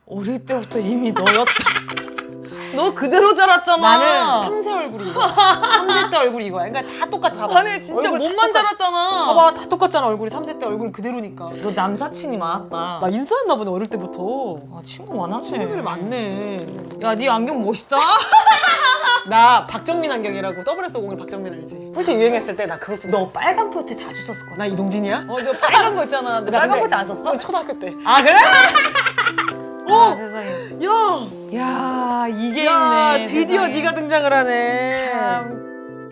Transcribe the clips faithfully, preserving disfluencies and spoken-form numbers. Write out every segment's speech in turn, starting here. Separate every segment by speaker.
Speaker 1: 어릴 때부터 이미 너였다. 너 그대로 자랐잖아.
Speaker 2: 나는 삼 세 얼굴이 이거야. 삼 세 때 얼굴이 이거야. 그러니까 다 똑같아. 봐봐.
Speaker 1: 아니 진짜
Speaker 2: 얼굴 다
Speaker 1: 몸만
Speaker 2: 똑같-
Speaker 1: 자랐잖아.
Speaker 2: 봐봐, 다 똑같잖아. 얼굴이 삼 세 때 얼굴 그대로니까.
Speaker 1: 너 남사친이 많았다.
Speaker 2: 나 인싸였나 보네, 어릴 때부터.
Speaker 1: 아 친구 많았네.
Speaker 2: 친구들이 많네.
Speaker 1: 야, 네 안경 멋있다.
Speaker 2: 나 박정민 안경이라고 더블에스 오십 박정민 알지? 폴테 유행했을 때 나 그거 쓰고
Speaker 1: 너
Speaker 2: 다녔어.
Speaker 1: 빨간 폴테 자주 썼을 거야.
Speaker 2: 나 이동진이야?
Speaker 1: 어, 너 빨간 거 있잖아. 너
Speaker 2: 나
Speaker 1: 빨간
Speaker 2: 근데
Speaker 1: 폴테 안 썼어?
Speaker 2: 어, 초등학교 때.
Speaker 1: 아 그래?
Speaker 2: 어!
Speaker 1: 아, 세상에.
Speaker 2: 야!
Speaker 1: 야 이게
Speaker 2: 야,
Speaker 1: 있네.
Speaker 2: 드디어
Speaker 1: 세상에.
Speaker 2: 네가 등장을 하네.
Speaker 1: 참.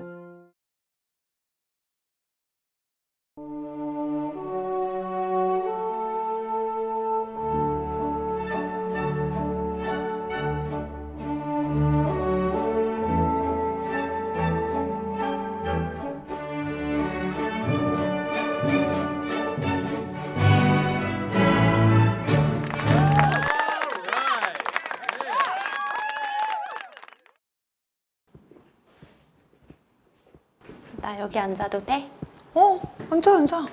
Speaker 3: 나 여기 앉아도 돼?
Speaker 2: 어, 앉아, 앉아.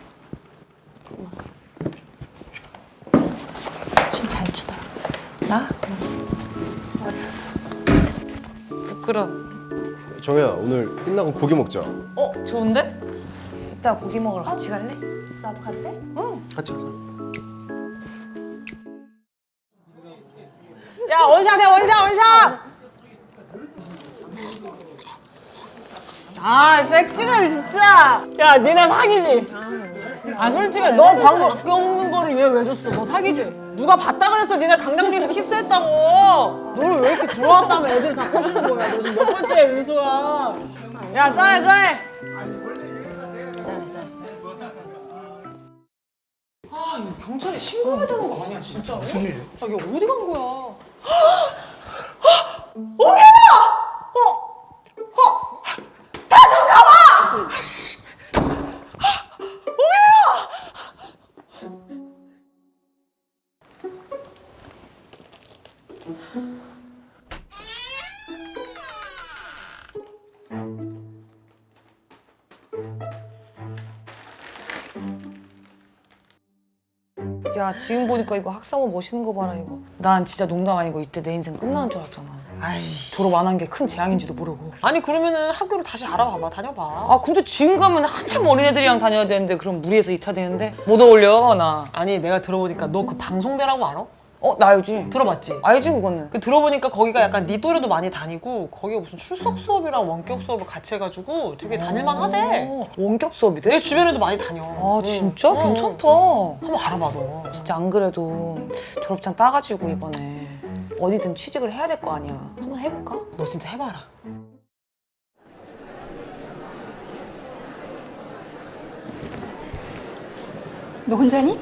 Speaker 3: 춤 잘 추다.
Speaker 1: 나?
Speaker 3: 멋있었어.
Speaker 1: 부끄러워.
Speaker 4: 정혜야, 오늘 끝나고 고기 먹자.
Speaker 1: 어 좋은데? 이따 고기 먹으러 같이 갈래?
Speaker 3: 나도 간대?
Speaker 4: 응, 같이 가자.
Speaker 2: 야, 원샷해, 원샷, 원샷! 아, 새끼들 진짜! 야, 니네 사기지? 아, 솔직히 너 방금 아껴 먹는 거를 얘 왜 줬어? 너 사기지? 누가 봤다 그랬어? 니네 강당리에서 키스했다고! 너를 왜 이렇게 들어왔다며 애들이 다 꼬시는 거야? 너 지금 몇 번째야, 윤수가? 야, 짜해, 짜해! 아, 이거 경찰에 신고해야 되는 거 아니야, 진짜로? 무슨 일이야? 아, 이게 어디 간 거야? 오해라! 어? 어? 다들 나와! 오해라!
Speaker 1: 야 지금 보니까 이거 학사모 멋있는 거 봐라 이거. 난 진짜 농담 아니고 이때 내 인생 끝나는 줄 알았잖아.
Speaker 2: 아이.
Speaker 1: 졸업 안 한 게 큰 재앙인지도 모르고.
Speaker 2: 아니, 그러면은 학교를 다시 알아봐봐, 다녀봐.
Speaker 1: 아 근데 지금 가면 한참 어린애들이랑 다녀야 되는데 그럼 무리해서 이타되는데 못 어울려 나.
Speaker 2: 아니, 내가 들어보니까 너 그 방송대라고 알아?
Speaker 1: 어 나 알지?
Speaker 2: 들어봤지?
Speaker 1: 알지 그거는.
Speaker 2: 그 들어보니까 거기가 약간 네 또래도 많이 다니고 거기가 무슨 출석 수업이랑 원격 수업을 같이 해가지고 되게 다닐만 하대.
Speaker 1: 어, 원격 수업이
Speaker 2: 내
Speaker 1: 돼?
Speaker 2: 주변에도 많이 다녀.
Speaker 1: 아
Speaker 2: 응.
Speaker 1: 진짜?
Speaker 2: 응.
Speaker 1: 괜찮다.
Speaker 2: 한번 알아봐, 너.
Speaker 1: 진짜 안 그래도 졸업장 따가지고 이번에 어디든 취직을 해야 될 거 아니야. 한번 해볼까?
Speaker 2: 너 진짜 해봐라.
Speaker 5: 너 혼자니?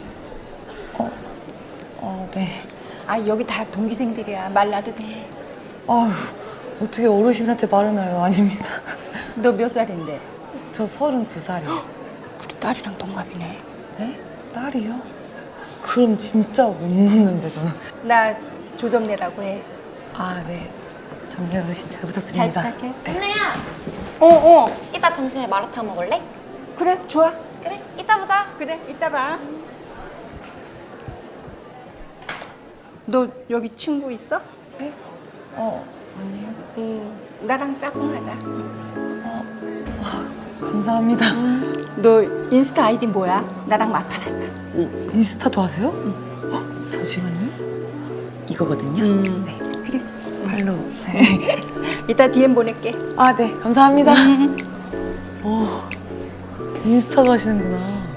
Speaker 1: 어 네.
Speaker 5: 아 여기 다 동기생들이야. 말라도 돼.
Speaker 1: 아휴 어떻게 어르신한테 말을 해요. 아닙니다.
Speaker 5: 너 몇 살인데?
Speaker 1: 저 서른두 살이요.
Speaker 5: 우리 딸이랑 동갑이네.
Speaker 1: 네? 딸이요? 그럼 진짜 못 놓는데 저는.
Speaker 5: 나 조점내라고 해.
Speaker 1: 아 네. 정리 어르신 잘
Speaker 5: 잘
Speaker 1: 부탁드립니다.
Speaker 5: 부탁해.
Speaker 3: 정래야,
Speaker 5: 어 어.
Speaker 3: 이따 점심에 마라탕 먹을래?
Speaker 5: 그래 좋아.
Speaker 3: 그래, 이따 보자.
Speaker 5: 그래 이따 봐. 너 여기 친구 있어?
Speaker 1: 네? 어 아니요.
Speaker 5: 응. 나랑 짝꿍하자.
Speaker 1: 감사합니다.
Speaker 5: 너 인스타 아이디 뭐야? 나랑 마팔하자.
Speaker 1: 오, 인스타도 하세요? 응. 잠시만요. 이거거든요.
Speaker 5: 음.
Speaker 1: 네.
Speaker 5: 그래.
Speaker 1: 팔로우.
Speaker 5: 이따 디엠 보낼게.
Speaker 1: 아 네. 감사합니다. 오 인스타도 하시는구나.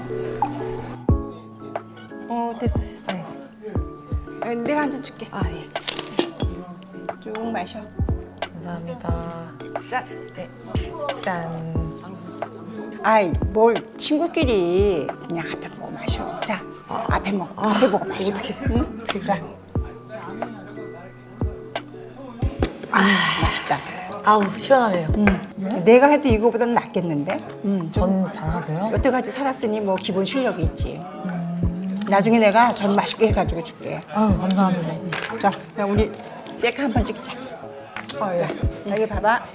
Speaker 5: 어 됐어 됐어.
Speaker 1: 네.
Speaker 5: 어, 내가 한 잔 줄게.
Speaker 1: 아 예.
Speaker 5: 쭉 마셔.
Speaker 1: 감사합니다.
Speaker 5: 짠.
Speaker 1: 네. 짠.
Speaker 5: 아이 뭘 친구끼리 그냥 앞에 보고 마셔. 자 앞에 먹 앞에 보고 마셔.
Speaker 1: 어떻게?
Speaker 5: 응?
Speaker 1: 어떻게?
Speaker 5: 자. 아 맛있다.
Speaker 1: 아우 시원하네요.
Speaker 5: 음. 내가 해도 이거보다는 낫겠는데? 음.
Speaker 1: 전 잘하세요?
Speaker 5: 여태까지 살았으니 뭐 기본 실력이 있지. 나중에 내가 전 맛있게 해가지고 줄게.
Speaker 1: 아유 감사합니다.
Speaker 5: 자, 자 우리 셀카 한 번 찍자. 어, 야, 여기 봐봐.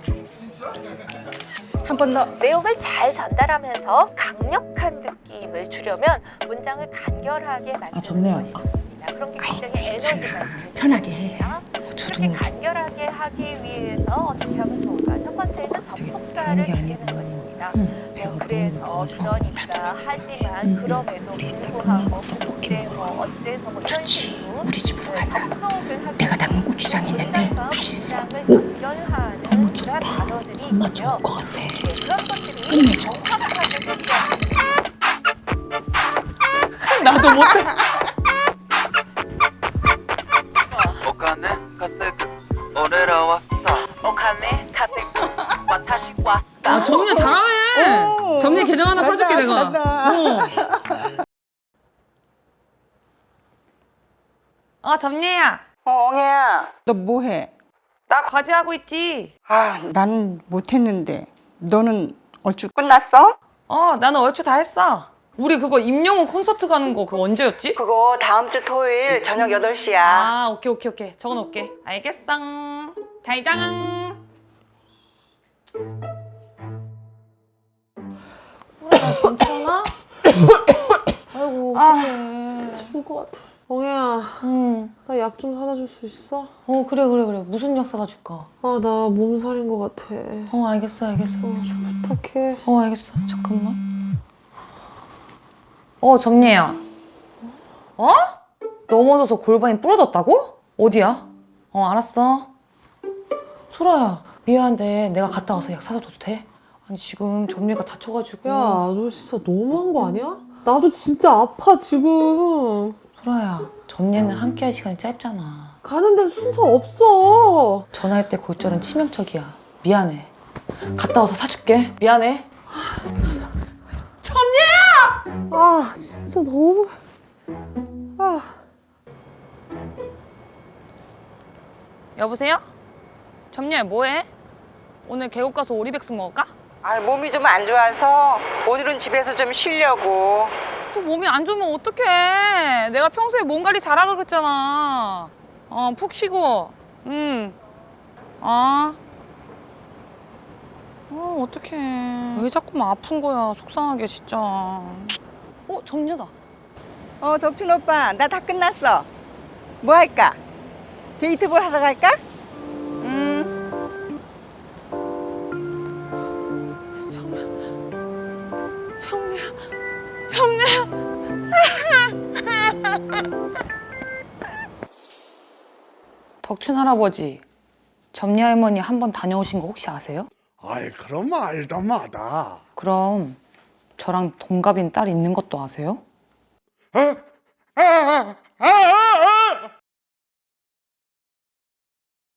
Speaker 5: 한 번 더.
Speaker 6: 내용을 잘 전달하면서 강력한 느낌을 주려면 문장을 간결하게 만드는
Speaker 1: 아, 좋네요.
Speaker 6: 것이 좋습니다. 그런 게 굉장히 에너지가 있는
Speaker 5: 편하게 해.
Speaker 1: 저도
Speaker 6: 그렇게 간결하게 하기 위해서 어떻게 하면 좋을까? 첫 번째는 접속사를
Speaker 1: 게
Speaker 6: 줄이는
Speaker 1: 아니고
Speaker 6: 것입니다.
Speaker 1: 배가
Speaker 6: 뭐
Speaker 1: 너무
Speaker 6: 그래서
Speaker 1: 고파가지고
Speaker 6: 그러니까 하지만 그럼에도
Speaker 1: 우리 이따
Speaker 6: 불구하고
Speaker 1: 끝나고 떡볶이
Speaker 6: 그때
Speaker 1: 먹으러
Speaker 6: 뭐
Speaker 1: 가자.
Speaker 6: 어때서 뭐 이런
Speaker 5: 좋지.
Speaker 6: 식으로
Speaker 5: 우리 집으로 가자.
Speaker 6: 접속을 하기
Speaker 5: 내가 담근
Speaker 6: 위해서
Speaker 5: 고추장 있는데 맛있어.
Speaker 6: 문장을 연결하는
Speaker 1: 너무
Speaker 6: 그런
Speaker 1: 좋다.
Speaker 6: 단어들이
Speaker 1: 손맛 좋을
Speaker 6: 있고요.
Speaker 1: 것 같아.
Speaker 6: 네, 그런 것들이
Speaker 5: 끝내줘.
Speaker 6: 정확하게 소개하는
Speaker 1: 나도 못해.
Speaker 7: お金稼ぐ俺らはさお金稼ぐ私は
Speaker 2: 아 정민아 잘하네. 정민 계정 하나
Speaker 5: 잘한다,
Speaker 2: 파줄게 내가.
Speaker 5: 잘한다.
Speaker 2: 어.
Speaker 1: 아 점례야,
Speaker 5: 어, 엉애야. 너 뭐해?
Speaker 1: 나 과제하고 있지.
Speaker 5: 아, 난 못했는데. 너는 얼추 끝났어?
Speaker 1: 어, 나는 얼추 다 했어. 우리 그거 임영웅 콘서트 가는 거 그거 언제였지?
Speaker 5: 그거 다음 주 토요일 저녁 여덟 시야.
Speaker 1: 아, 오케이 오케이 오케이. 적어놓을게. 알겠어. 잘장. 괜찮아? 아이고 어떡해.
Speaker 2: 죽을 것 같아. 엉애야,
Speaker 1: 응.
Speaker 2: 나 약 좀 사다 줄 수 있어?
Speaker 1: 어 그래 그래 그래. 무슨 약 사다 줄까?
Speaker 2: 아, 나 몸살인 것 같아.
Speaker 1: 어 알겠어 알겠어 알겠어.
Speaker 2: 부탁해.
Speaker 1: 어 알겠어. 잠깐만. 어 점례야. 어? 넘어져서 골반이 부러졌다고? 어디야? 어 알았어. 소라야 미안한데 내가 갔다 와서 약 사다 줘도 돼? 아니 지금 점례가 다쳐가지고.
Speaker 2: 야, 너 진짜 너무한 거 아니야? 나도 진짜 아파, 지금.
Speaker 1: 소라야 점례는 함께할 시간이 짧잖아.
Speaker 2: 가는데 순서 없어.
Speaker 1: 전화할 때 골절은 치명적이야. 미안해. 갔다 와서 사줄게. 미안해. 점례야!
Speaker 2: 아, 진짜 너무. 아.
Speaker 1: 여보세요? 점례 뭐해? 오늘 계곡 가서 오리백숙 먹을까?
Speaker 5: 아, 몸이 좀 안 좋아서 오늘은 집에서 좀 쉬려고.
Speaker 1: 또 몸이 안 좋으면 어떡해. 내가 평소에 몸 관리 잘하라 그랬잖아. 어, 푹 쉬고. 응. 아. 어, 어떡해. 왜 자꾸만 아픈 거야. 속상하게, 진짜. 어, 점례다.
Speaker 5: 어, 덕춘 오빠, 나 다 끝났어. 뭐 할까? 데이트볼 하러 갈까?
Speaker 1: 음. 점례야. 점례야. 덕춘 할아버지, 점례 할머니 한 번 다녀오신 거 혹시 아세요?
Speaker 8: 아이 그럼 알다 마다.
Speaker 1: 그럼 저랑 동갑인 딸 있는 것도 아세요?
Speaker 8: 아, 아, 아, 아,